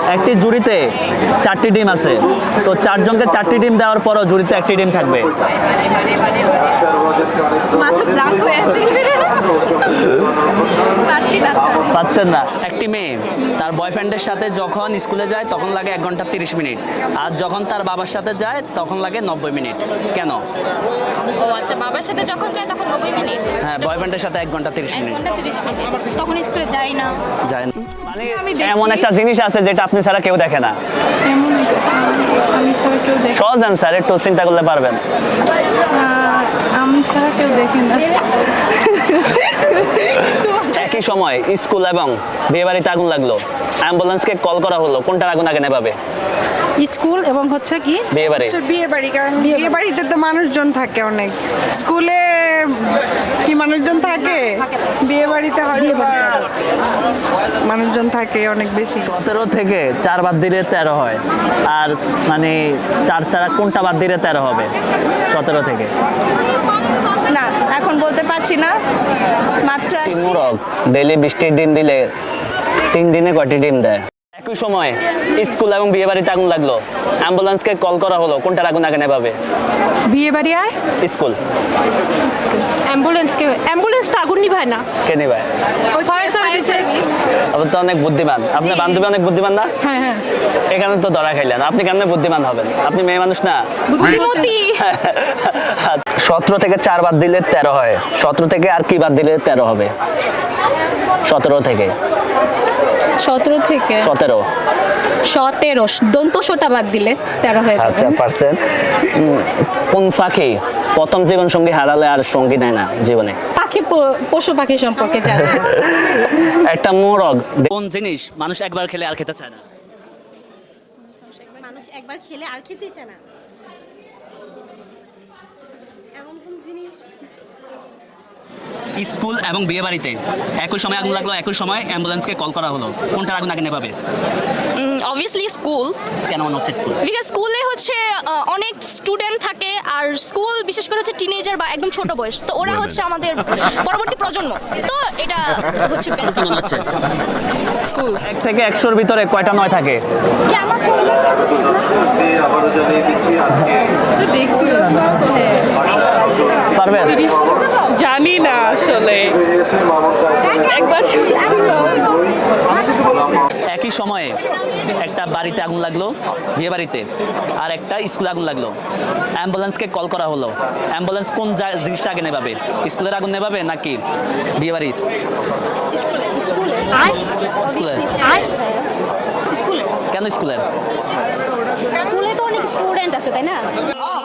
একটি জুড়িতে 4টি ডিম আছে, তো 4 জনকে 4টি ডিম দেওয়ার পরও জুড়িতে 1টি ডিম থাকবে। মাথা ব্ল্যাঙ্ক হয়ে আছে, পাচ্ছি না তো। পাচ্ছেন না? একটি মেয়ে তার বয়ফ্রেন্ডের সাথে যখন স্কুলে যায় তখন লাগে 1 ঘন্টা 30 মিনিট, আর যখন তার বাবার সাথে যায় তখন লাগে 90 মিনিট। কেন? ও আচ্ছা, বাবার সাথে যখন যায় তখন 90 মিনিট, হ্যাঁ, বয়ফ্রেন্ডের সাথে 1 ঘন্টা 30 1 মিনিট ঘন্টা 30 মিনিট, তখন স্কুলে যাই না। যায় না। মানে এমন একটা জিনিস আছে যেটা আপনি ছাড়া কেউ দেখে না। এমন আমি ছাড়া কেউ দেখে সহজ অ্যান্সার, একটু চিন্তা করলে পারবেন। আমি ছাড়া কেউ দেখে না। একই সময় স্কুল এবং বিয়েবাড়িতে আগুন লাগলো, অ্যাম্বুলেন্সকে কল করা হলো, কোনটার আগুন আগে নেভাবে? স্কুল এবং হচ্ছে কি বিয়েবাড়ি। বিয়ে বাড়ি, কারণ বিয়ে বাড়িতে তো মানুষজন থাকে অনেক, স্কুলে কি মানুষজন থাকে? বিয়ে বাড়িতে হয়তো বা মানুষজন থাকে অনেক বেশি। 17 থেকে 4 বাদ দিলে 13 হয়, আর মানে 4 ছাড়া কোনটা বাদ দিলে 13 হবে 17 থেকে? না, এখন বলতে পারছি না, মাত্র আসছি। মুরগ ডেইলি 20টি ডিম দিলে 3 দিনে কয়টি ডিম দেয়? একই সময় স্কুল এবং বিয়েবাড়িতে আগুন লাগলো, অ্যাম্বুলেন্সকে কল করা হলো, কোনটার আগুন আগে নেভাবে? বিয়ে বাড়ি আয় স্কুল। অ্যাম্বুলেন্স তো আগুন নিভায় না। কে নেভায়? Fire service. আপনি তো অনেক বুদ্ধিমান, আপনার বান্ধবী অনেক বুদ্ধিমান না? হ্যাঁ হ্যাঁ, এখানে তো ধরা খাইলেন, আপনি কেমনে বুদ্ধিমান হবেন? আপনি মেয়ে মানুষ না। বুদ্ধিমতী। 17 থেকে 4 বাদ দিলে 13 হয়, 17 থেকে আর কি বাদ দিলে 13 হবে? 17 থেকে 17 থেকে 17। 17 দন্ত সোটা বাদ দিলে 13 হয়ে আচ্ছা, যাবে। পারছেন। কোন পাখি প্রথম জীবন সঙ্গী হারালে আর সঙ্গী নেয় না জীবনে? পাখি, পশু পাখি সম্পর্কে জানি না। একটা মোরগ কোন জিনিস মানুষ একবার খেলে আর খেতে চায় না? মানুষ একবার খেলে আর খেতে চায় না, এমন কোন জিনিস? স্কুল এবং বিয়ে বাড়িতে একই সময় আগুন লাগলো, একই সময় অ্যাম্বুলেন্সকে কল করা হলো, কোনটার আগুন আগে নেভাবে? অবভিয়াসলি স্কুল, কেন মনে হচ্ছে স্কুল? বিকজ স্কুলে হচ্ছে অনেক স্টুডেন্ট থাকে, আর স্কুল বিশেষ করে হচ্ছে টিনেজার বা একদম ছোট বয়স, তো ওরা হচ্ছে আমাদের পরবর্তী প্রজন্ম, তো এটা হচ্ছে বেস্ট। কি মনে হচ্ছে? স্কুল। 1 থেকে 100-র ভিতরে কয়টা 9 থাকে? পারবেন? জানি না আসলে, একবার একই সময়ে একটা বাড়িতে আগুন লাগলো, বিয়ে বাড়িতে, আর একটা স্কুলে আগুন লাগলো, অ্যাম্বুলেন্সকে কল করা হলো, অ্যাম্বুলেন্স কোন জিনিসটা আগে নেভাবে? স্কুলের আগুন নেভাবে নাকি বিয়ে বাড়ির? স্কুলে স্কুলে। স্কুলে কেন স্কুলের? স্কুলে তো অনেক স্টুডেন্ট আছে, তাই না?